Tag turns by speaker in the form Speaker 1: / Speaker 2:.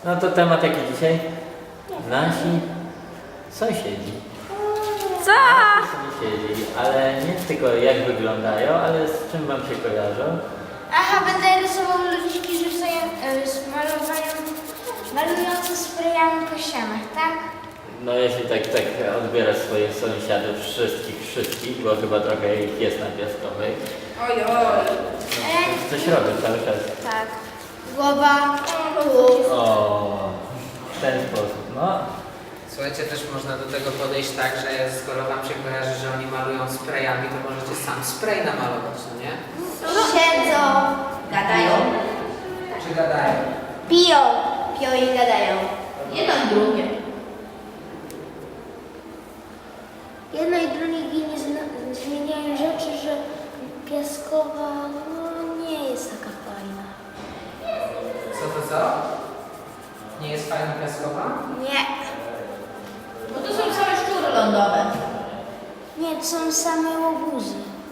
Speaker 1: No to temat jaki dzisiaj? Nasi sąsiedzi.
Speaker 2: Co?
Speaker 1: Sąsiedzi, ale nie tylko jak wyglądają, ale z czym wam się kojarzą.
Speaker 3: Aha, będę rysował ludziki malujące sprayami po ścianach, tak?
Speaker 1: No jeśli tak odbierasz swoich sąsiadów, wszystkich, bo chyba trochę ich jest na Piaskowej.
Speaker 2: Ojoj.
Speaker 1: No, coś robią cały czas.
Speaker 3: Tak. Głowa.
Speaker 1: O, w ten sposób, no.
Speaker 4: Słuchajcie, też można do tego podejść tak, że skoro wam się kojarzy, że oni malują sprayami, to możecie sam spray namalować, no nie?
Speaker 3: Siedzą.
Speaker 2: Gadają.
Speaker 4: Czy gadają?
Speaker 3: Piją. Piją i gadają.
Speaker 2: Jedno i drugie.
Speaker 3: Jedno i drugie nie zmieniają rzeczy, że Piaskowa nie jest taka fajna.
Speaker 4: Co? Nie jest fajna Piaskowa?
Speaker 3: Nie.
Speaker 2: Bo to są same szczury lądowe.
Speaker 3: Nie, to są same łobuzy.